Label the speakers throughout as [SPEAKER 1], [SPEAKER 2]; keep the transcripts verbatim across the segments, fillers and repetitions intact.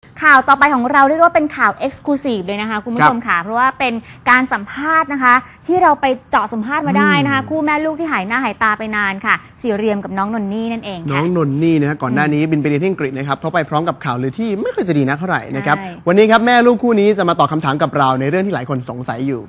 [SPEAKER 1] ข่าวต่อไปของเราเรียกว่าเป็นข่าว Exclusive เลยนะคะคุณผู้ชมค่ะเพราะว่าเป็นการสัมภาษณ์นะคะที่เราไปเจาะสัมภาษณ์มาได้นะคะคู่แม่ลูกที่หายหน้าหายตาไปนานค่ะสีเรียมกับน้องนนนี่นั่นเอง
[SPEAKER 2] น้องนนนี่นะก่อนหน้านี้บินไปเรียนที่อังกฤษนะครับเพราะไปพร้อมกับข่าวลือที่ไม่ค่อยจะดีนักเท่าไหร่นะครับวันนี้ครับแม่ลูกคู่นี้จะมาตอบคำถามกับเราในเรื่องที่หลายคนสงสัยอยู่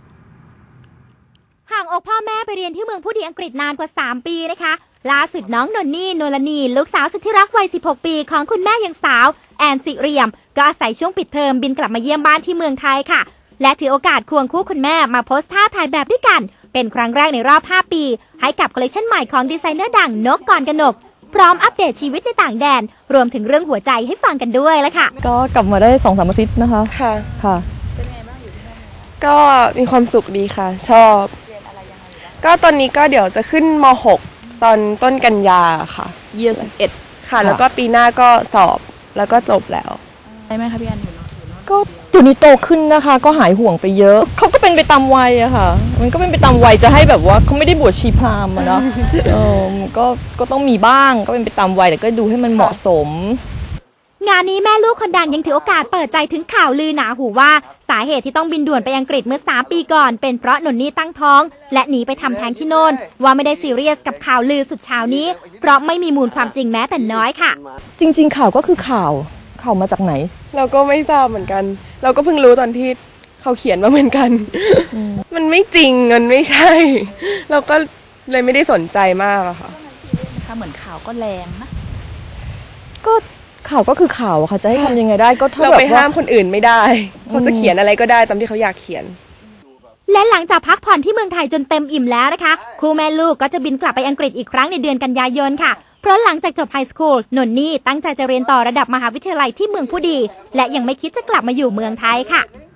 [SPEAKER 3] ห่างอกพ่อแม่ไปเรียนที่เมืองผู้ดีอังกฤษนานกว่าสามปีนะคะล่าสุดน้องนนนี่นลนีลูกสาวสุดที่รักวัยสิบหกปีของคุณแม่ยังสาวแอนสิเรียมก็อาศัยช่วงปิดเทอมบินกลับมาเยี่ยมบ้านที่เมืองไทยค่ะและถือโอกาสควงคู่คุณแม่มาโพสท่าถ่ายแบบด้วยกันเป็นครั้งแรกในรอบห้าปีให้กับคอลเลคชันใหม่ของดีไซเนอร์ดังนกกรกนกพร้อมอัปเดตชีวิตในต่างแดนรวมถึงเรื่องหัวใจให้ฟังกันด้วยแล้วค่ะ
[SPEAKER 4] ก็กลับมาได้สองสามอาทิตย์นะคะ
[SPEAKER 5] ค่ะ
[SPEAKER 4] ค่ะ
[SPEAKER 5] เป็นไงบ้างอยู่ที่นั่นก็มีความสุขดีค่ะชอบเรียนอะไรยังไงบ้างก็ตอนนี้ก็เดี๋ยวจะขึ้นม หกตอนต้นกันยาค่ะ
[SPEAKER 4] เยียร์สิบเอ็ด
[SPEAKER 5] ค่ะแล้วก็ปีหน้าก็สอบแล้วก็จบแล้ว
[SPEAKER 4] ใช่ไหมคะพี่แอนอยู่เนาะก็ตัวนี้โตขึ้นนะคะก็หายห่วงไปเยอะเขาก็เป็นไปตามวัยอะค่ะมันก็เป็นไปตามวัยจะให้แบบว่าเขาไม่ได้บวชชีพราหมณ์อะเนาะเออก็ก็ต้องมีบ้างก็เป็นไปตามวัยแต่ก็ดูให้มันเหมาะสม
[SPEAKER 3] งานนี้แม่ลูกคนดังยังถือโอกาสเปิดใจถึงข่าวลือหนาหูว่าสาเหตุที่ต้องบินด่วนไปอังกฤษเมื่อสามปีก่อนเป็นเพราะนนนี่ตั้งท้องและหนีไปทำแท้งที่โน่นว่าไม่ได้ซีเรียสกับข่าวลือสุดเช้านี้เพราะไม่มีมูลความจริงแม้แต่น้อยค่ะ
[SPEAKER 4] จริงๆข่าวก็คือข่าวข่าวมาจากไหน
[SPEAKER 5] เราก็ไม่ทราบเหมือนกันเราก็เพิ่งรู้ตอนที่เขาเขียนมาเหมือนกันมันไม่จริงมันไม่ใช่เราก็เลยไม่ได้สนใจมากอะค่ะ
[SPEAKER 4] เหมือนข่าวก็แรงนะก็ข่าวก็คือข่าวค่ะจะให้ทำยังไงได้ก็
[SPEAKER 5] เราไปห้ามคนอื่นไม่ได้เขาจะเขียนอะไรก็ได้ตามที่เขาอยากเขียน
[SPEAKER 3] และหลังจากพักผ่อนที่เมืองไทยจนเต็มอิ่มแล้วนะคะคู่แม่ลูกก็จะบินกลับไปอังกฤษอีกครั้งในเดือนกันยายนค่ะเพราะหลังจากจบไฮสคูลนนนี่ตั้งใจจะเรียนต่อระดับมหาวิทยาลัยที่เมืองผู้ดีและยังไม่คิดจะกลับมาอยู่เมืองไทยค่ะ